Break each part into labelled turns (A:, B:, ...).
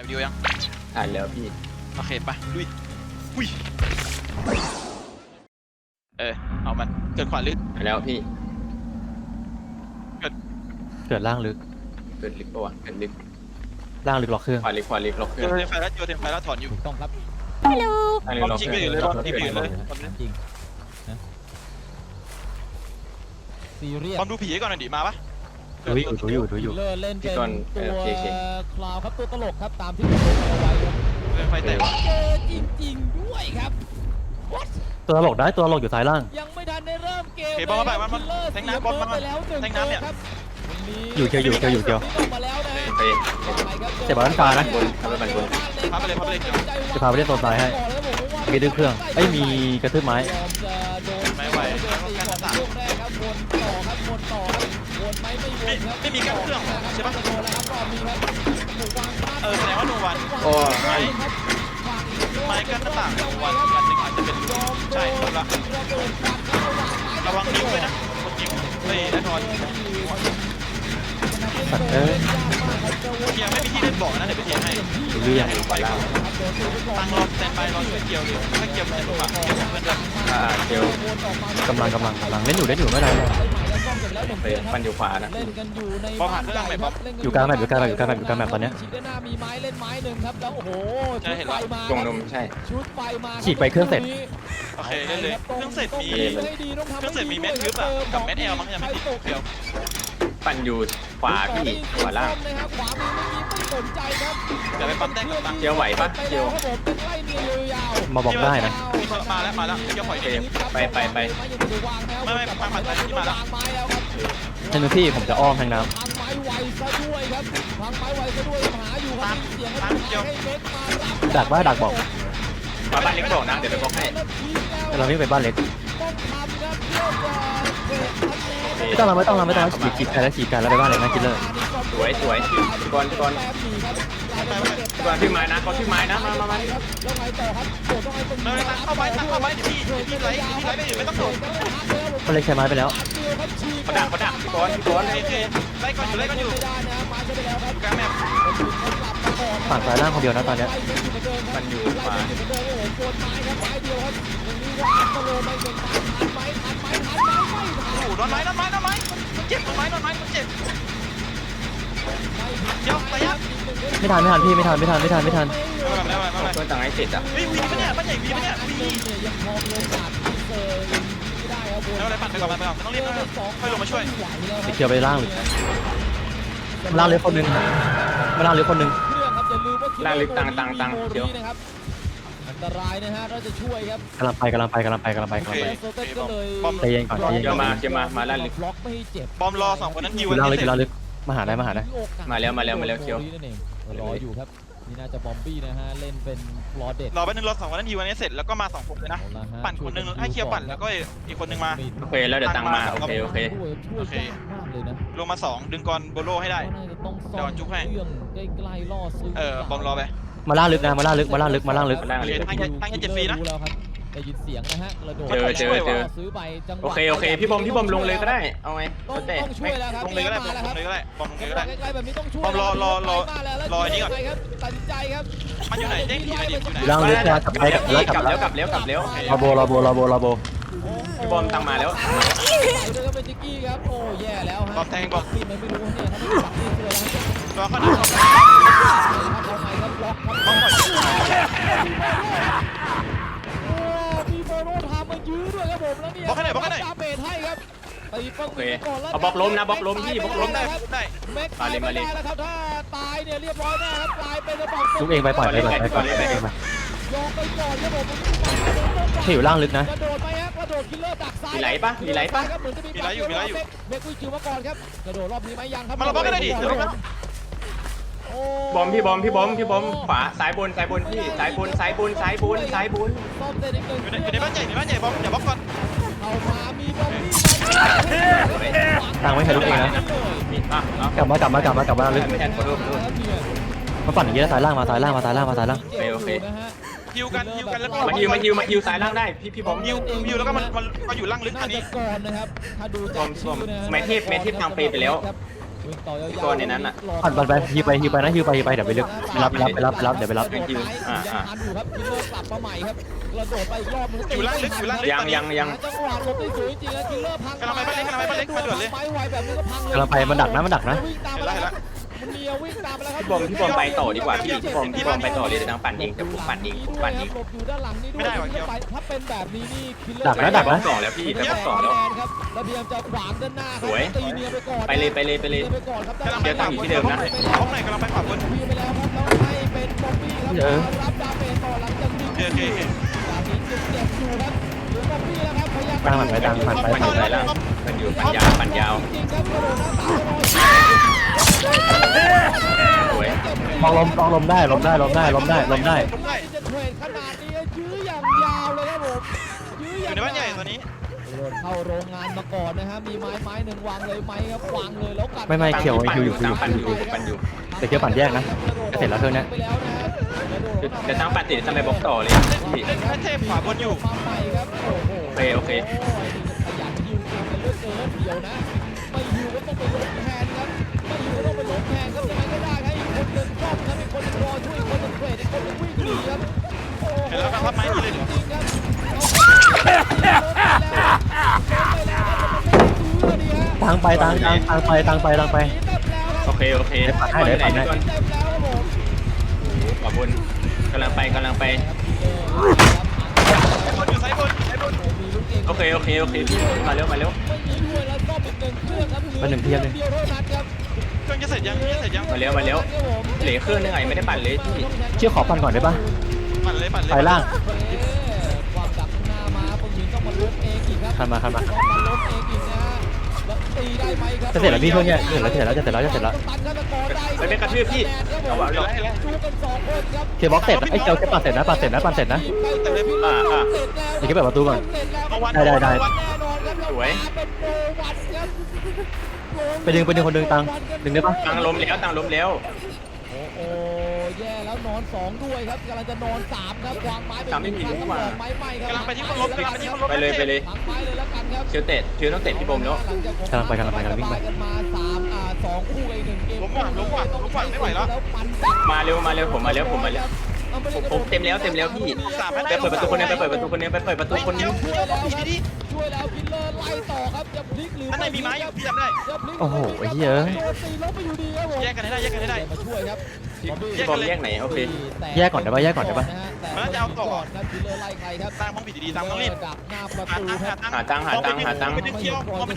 A: วิดีโอยัง
B: ถ่ายแล้วพี่
A: โอเคไปลุยอุ้ยเอามันเกิดขวาลึก
B: ถ่ายแล้วพี่
C: เกิดล่างลึก
B: เกิดลึกปะวะเกิดลึก
C: ล่างลึกล็อกเครื่อง
B: ขวาลึกล็อกเครื่อง
A: เทมไฟแล้วถอนอยู่
D: ถูกต้องครับ
E: ฮัลโหล
A: บอมจริงไปอยู่เลยบอมจริงไปอยู่เลย
D: จริงนะซีเรียส
A: บอมดูผีก่อนหน่อยดิมาปะ
C: ดูอยู่
D: เลอร์เล่นเป็นตัวคลาวครับตัวตลกครับตามที่ผมเอาไว้ครับ
A: ไฟแตก
D: เจอจริงๆด้วยครับ
C: ตัวตลกได้ตัวตลกอยู่ซ้ายล่าง
D: ยังไม่ทันได้เริ่มเกม
A: บอมมาแทงน้ำบอมมาแทงน้ำเนี่ย
C: อยู่เกี่ยว
D: มาแล้วนะ
C: เจ็บบอลด้านฟ้านะ
B: บนทำไปบน
A: พาไปเลย
C: จะพาไปเล่นโซนซ้ายให้มีดื้อเครื่องมีกระทืบไม้
A: ไม่ไหวไม่มีกั้นเครื่องใช่ปะแสดงว่าโนวัน
B: โอ้
A: ไม้กั้นหน้าต่างโนวันอันหนึ่งอาจจะเป็นใช่ถูกละระวังนิ้วเลยนะคนนิ้วแน่นอนเกียร์ไม่มีที่เล่นบ่อนะเดี๋ยวไปเทียร์ให้
C: เรื่อง
A: ไปตั้งรอแซนบายรอช่วยเกียวเลยถ้าเกียวมันจะลุกอะเกียวเพื่อนด้วย
B: เกียว
C: กำลังเล่นอยู่ไม่ได้
B: มันอยู่ขวานะ
A: บอมผ่านเครื่องไหนบอม
C: อยู่กลางแมปตอนเนี้ย
D: มีไม้เล่นไม้หนึ่งครับแล้วโอ้โห
B: ตรงนมใช่
D: ชุดไฟมา
C: ฉีกไปเครื่องเสร็จ
A: โอเคเล่นเลยเครื่องเสร็จมีเม็ดทึบอะกับเม็ดแอลมั้งยังไม่ติดเกียว
B: ปั่นอยู่ขวาพี่ขวาล่าง
A: เดี๋ยวไปปั๊มแต้งกับปั๊ม
B: เกียวไหวปะเกียว
C: มาบอกได้นะ
A: มาแล้วเกียวปล่อยเกม
B: ไป
A: ไม่มาผ่านที่มาแล้ว
C: ให้ดูพี่ผมจะอ้อมทางน้ำ
A: ตามเกียว
C: ดักบอก
B: มาบ้านเล็กบอกนะเดี๋ยวไปบอกให้
C: เราวิ่งไปบ้านเล็กไม่ต้องฉีกกันแล้วไปบ้านเล็กนะคิลเลอร์
B: สวยก่อนพี่ไม้นะก่อนพี่ไม้นะมา
A: ไม่เข้าไปเดี๋ยวพี่ไลฟ์ไม่อยู่ไม่ต้องโดด
C: บ้านเล็กใช้ไม้ไปแล้ว
B: เขาดักพี่ก่อน
A: ไล่ก่อนอยู่กลางแมป
C: ฝั่งซ้ายล่างคนเดียวนะตอนนี้
B: มันอยู่ขวา
A: โดนไม้มันเจ็บโดนไม้มันเจ็บเดี๋ยวระยะ
C: ไม่ทันพี่ไม่ทัน
A: ไม่
B: ตัวต่างให้เสร็จอ่ะ
A: วีปะเนี่ยบ้านใหญ่วีปะเนี่ยวีแล้วอะไรปั่นไปก่อนต้องรีบค่อยลงมาช่วย
C: ไปเกี่ยวไปล่างเลยล่างเล็กคนนึง
B: ล่างลึกตังเดี๋ยว
D: อันตรายนะฮะเราจะช่วยครับ
C: กำลังไปใจเย็นก่อน
B: เดี๋ยวมาล่างลึก
D: บล็อกไม่ให้เจ็บบ
A: อมรอ2คนนั้นฮิว
C: ล่างลึกมาหาได้
B: มาแล้วเคียว
D: รออยู่ครับนี่น่าจะบอมบี้นะฮะเล่นเป็นรอเด็ด
A: รอแป๊บนึงรอ2คนนั้นฮิวอันนี้เสร็จแล้วก็มา2คนเลยนะปั่นคนนึงให้เคียวปั่นแล้วก็อีกคนนึงมา
B: โอเคแล้วเดี๋ยวตังมาโอเค
A: ลงมา2ดึงกอนโบโลให้ได้เดี๋ยวจุ๊บให้
D: ใกล้ๆล่อซื้
A: บอมรอไป
C: มาล่างลึกนะมาล่างลึก
A: ทางจะฟรีนะ
D: ได้ยินเสียงนะฮะกระโดด
B: เจอ
D: ซื้อไปจังหวะ
B: โอเคพี่บอมลงเลยก็ได้เอาไง
D: ต้องช่วยแล้วครับ
A: ลงเลยก็ได้บอมลงเลยก็ได้
D: ใกล้ๆแบบนี้ต้องช่วย
A: บอมรอนี้ก่อน
D: ตัดสินใจครับ
A: มันอยู่ไหนเด้งทีอยู่ไหน
C: ล่างลึกนะกลับแล้วรอโบ
B: พี่บอมตังมาแล้ว
D: เป็นจิกกี้ครับโอ้แย่แล้วฮะ
A: บอมแทงบอม
D: ที่มันไม่รู้เนี่ยถ้าไม่ปักนี่คืออะไรครับเอาไงครับบล็อกมายื้อด้วยครับผมแล้วเนี่ย
A: บล็อกให้
D: ดาเมจให้ครับตีป้องกันก่อนแล้ว
B: เอาบล็อกล้มนะบล็อกล้มพี่บล็อกล้มได้
D: แม็กตายไม่ได้แล้วครับถ้าตายเนี่ยเรียบร้อยแน่ครับกลายเป็นระเบิด
C: ลูกเองไปปล่อยเลยไปก่อน
D: ยองไปก่อนครับผม
C: ที่อยู่ล่างลึกนะ
D: กระโดดไปครับกระโดดคิลเลอร์ดักซ้าย
B: มีไหลปะ
A: ครับเหมือนจะมีไหลอยู่
D: เมกุยจิวมาก่อนครับกระโดดรอบนี้ไหมยังครับ
A: มาเราบล็อกกันได้ดิ
B: บอมพี่บอมขวาซ้ายบนพี่ซ้ายบน
A: อยู่ในบ้านใหญ่บอมอย่าบล็อกก่อน
D: เอามามีบอมบี้
C: ทางไม่ใช่ลูกเองนะกลับมาลึก
B: ไม่แทนขอโทษ
C: มาปั่นอย่างนี้แล้วซ้ายล่างโอ
B: เค
A: ฮิวกันแล้วก็
B: มาฮิวซ้ายล่างได้พี่บอม
A: ฮิวแล้วก็มันอยู่ล่างลึกอันนี้
D: ก่อนนะครับถ้าดู
B: บอมแมทเทพทางเปไปแล้ว
D: วิ่งต่อยาว
E: ก่อนในนั้นน่ะ
C: ปั่นไปฮิวไปนะฮิวไปเดี๋ยวไปลึกไปรับเดี๋ยวไปรับ
E: เป็นคิวอ่า
D: ทันอยู่ครับคิลเลอร์กลับมาใหม่ครับกระโดดไปอีกรอบนึง
A: อยู่ล่างลึกอยู่ล่างลึก
E: ยัง
D: จังหวะหลบได้สวยจริงๆแล้วคิลเลอร์พัง
A: กำลังไปบ้านเล็กกำลังไปบ้านเล็กมาด่วนเลย
D: ไม้ไวแบบนี้ก็พังเลย
C: กำลังไปมันดักนะวิ่งตามมา
A: เห็นแล้ว
D: มันเลียววิ่งตามไปแล้วครับ
E: พี่บอมไปต่อดีกว่าพี่บอมไปต่อเลยทางปั่นเองแต่ผมปั่นเองผมปั่นเอง
D: หลบอยู่ด้านหลังนี่ด้วยถ้าเป็นแบบนี้นี่คิลเลอร์
C: ดักนะ
E: สองแล้วพี่ไปบล็อกสองแล้ว
D: ครับแล้วพยายามจะขวางด้านหน้าครับ
E: สวย
D: ตีเนียไปก่อน
E: ไปเลย
D: ไปก่อนครับ
A: กำลังไป
E: เดี๋ยวตั้งอยู่ที่เดิมนะ
A: ห้องไหนกำลังไปขวาบน
D: พีไปแล้วครับแล้วให้เป็นบอมบี้ครับรับดาเมจต่อหลังจากนี้
A: โอเค
D: จากนี้จึงเจ็บอยู่ครับเหลือบอมบี้แล้วครับพยายาม
C: ตั้งมันไปตั้งมันไป
E: ปั่นอยู่ไหนล่ะปั่นอยู่ปั่นยาว
D: จริงๆครับกระโดดหน้าต่าง
E: สวย
C: ลองลมได้
D: ที่จะเทรดขนาดนี้ยื้ออย่างยาวเลยครับผมยื้อ
A: อ
D: อย่าง
A: ยู่ในบ้านใหญ่
D: ยาว
A: ตอนนี้
D: โดนเข้าโรงงานมาก่อนนะฮะมีไม้หนึ่งวางเลยไหมครับวางเลยแล้วกัด
C: ไม่เขียวฮิวอยู่
E: ตั้งปั่นอยู่
C: แต่เขียวปั่นแยกนะเสร็จแล้วเครื่องนี้
D: ไปแล้วนะฮะ
E: จะตั้งปั่นติดทำไมบล็อกต่อเลยพี่
A: เล่นแพทเทพขวาบนอยู่
D: มาใหม่ครับโอ้โห
E: โอเค
D: ขยันยิวเก่งกันเหลือเกินเดี๋ยวนะไม่ยิวก็ต้องไปลบแทนครับไม่ยิวก็ต้องไปลบแทนครับยังไงก็ได้ครับอีกคนหนึ่งชอบครับอีกคนหนึ่งรอช่วยอีกคนหนึ่งเทรดอีกคนหนึ่งวิ่งหนีครับโอ้โห
A: เห็นแล้วครับว่าไม้นี่เลยเหรอ
D: จริงๆครับ
C: ตั้งไป
E: โอเค
C: ให้เดี๋ยวปั่นให้
E: ขวาบนกำลังไป
A: บนอยู่ซ้ายบน
E: โอเคพี่มาเร็ว
C: มาหนึ่งเทียบเลย
A: เครื่องจะเสร็จยัง
E: มาเร็วเหลือเครื่องนึงไงไม่ได้ปั่นเลยพี่
C: เชื่อขอปั่นก่อนได้ปะ
A: ปั่นเลย
C: ไปล่าง
D: ความดักหน้ามาปงหญิงต้องมาล้มเองอีกครับ
C: คันมา
D: ต้องมาล้มเองอีกนะฮะแล้วตีได้ไหมครับ
C: จะเสร็จแล้วพี่เครื่องเนี่ยจะเสร็จแล้ว
D: ตันฆาตกรได้
E: ไปเป็นกระทืบพี่เอาวะ
A: เห็นแล้ว
D: ดูกันสองคนครับ
C: เคบล็อกเสร็จไอ้เจ้าแค่ปั่นเสร็จนะเดี๋ยวแค่เปิดประตูก่อน
A: เอาวัน
C: ได้
D: แน่นอนครับ
E: สวย
D: เป็นโนวัตครับ
C: ไปดึงคนดึงตังดึงได้ปะ
E: ตั้งล้มแล้ว
D: โอ้โหแย่แล้วนอนสองด้วยครับกำลังจะนอนสามครับวางไม้ไป
E: สามไม่มี
D: ครั้ง
E: รู้ว่า
D: ครับไม้ไหม้ครับ
A: กำลังไปที่คนลบกำลังไปที่คนลบ
E: ไปเลย
D: ทั้งไม้เลยแล้วกันครับ
E: เชียวต้องเตะพี่บอมแล้ว
C: กำลังไปวิ่งไป
D: กันมาสามสองคู่อีกหนึ่งเกม
A: ล้มว่ะไม่ไหวแล้ว
D: ปั่น
E: มาเร็วผมมาแล้วผมเต็มแล้วพี่
A: สาม
E: ไปเปิดประตูคนนึงไปเปิดประตูคนนึง
D: ช่วยแล้วคิลเลอร์ไล่ต่อครับจะพลิกหรือ
A: ข้างในมีไม้อยู่พี่จำได้
C: โอ้โหไอ้เหี้ย
D: โดนตีล้มไปอยู่ดีครับผม
A: แยกกันให้ได้
D: มาช่วยครับ
E: พี่บอมแยกไหนโอเค
C: แยกก่อนได้ปะ
D: ครับคิลเลอร์ไล่ใครครับ
A: ตั้งห้องผิดดีๆตั้งต้องรีบ
D: ดักหน้าประ
A: หา
D: ตู
A: ตั้ง
D: ครับ
A: ไปดึงเคี้ยว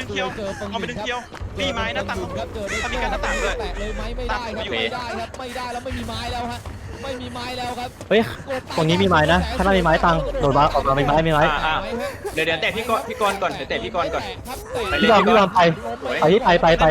A: มีไม้นะตั้งถ้ามีการหน้าต่างด้วย
D: แตะเลยไหมไม่ได้ครับไม่ได้แล้วไม่มีไม้แล้วฮะไม่มีไม้แล้วครับ
C: เฮ้ยตรงนี้มีไม้นะข้างหน้ามีไม้ตังโดดมาออกมามีไม้
E: เดี๋ยวเตะพี่กรก่อนเตะพี่กรก่อน
C: พี่บอมไปไป
E: ครบ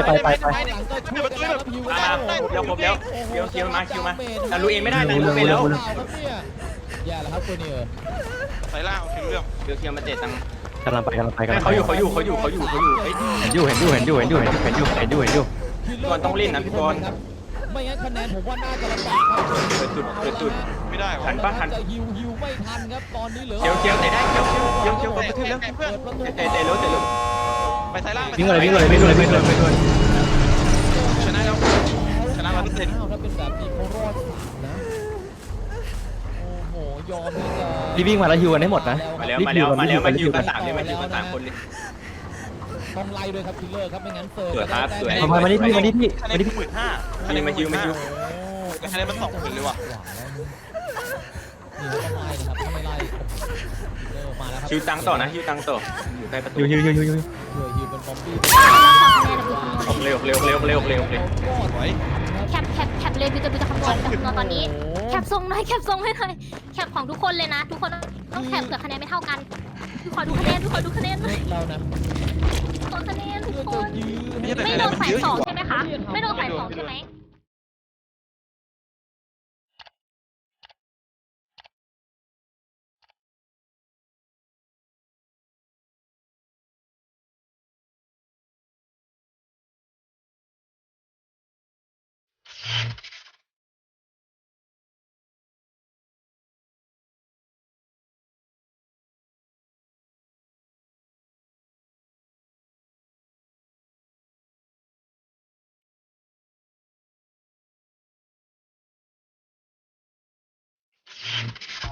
E: แล้วคิวมาแต่รู้เองไม่ได้นะรู้ไปแล้ว
D: แย่แล้วครับตัวนี้
A: สายล่างโอเคเรื่อง
E: เคียวมาเตะตัง
C: กำลังไป
E: เขาอยู่เฮ้ย
C: เห็นอยู่
E: ก่อนต้องเล่นนะพี่กร
D: ไม่งั้นคะแนนผมว่าน่าจะลำบากครับ
E: เปิดจุด
A: ไม่ได้
E: ทันปะทัน
D: จะฮิวไม่ทันครับตอนนี้เหลือ
E: เคียวเตะได้เคียวกระทืบแล้ว
A: เพื่อน
E: เตะเร็ว
A: ไปสายล่าง
C: วิ่งเลย
A: ชนะแล้วชนะ100%
D: ถ้าเป็นแบบนี้เขารอดนะโอ้โหยอมที่จะ
C: รีบวิ่งมาแล้วฮิวกันให้หมดนะ
E: มาอยู่กัน3เลยมาอยู่กัน3คนเลย
D: ต้องไล่ด้วยครับคิลเลอร์ครับไม่งั้นเฟิร์
E: สวยครับสวย
C: มานี่พี่
A: คะแนน15,000
E: มาฮิว
A: แต่คะแนนมัน20,000เลยว่ะ
D: นี่ต้องไล่นะครับถ้าไม่ไล่คิลเลอร์มาแล้วครับ
E: ฮิวตังต่อนะฮิวตังต่ออยู่ใกล้ประตู
C: ฮิว
D: ฮิวเป็นบอมบี้
E: เร็ว
A: สวย
F: แคปเลยบิวจะคำนวณตอนนี้ แคปทรงหน่อยแคปของทุกคนเลยนะ ทุกคนต้องแคปเผื่อคะแนนไม่เท่ากันขอดูคะแนนหน่อย
D: เรานะ
F: ขอคะแนนทุกคน
D: ยื้อ
F: ไม่โดนฝ่ายสองใช่ไหมคะ ไม่โดนฝ่ายสองใช่ไหม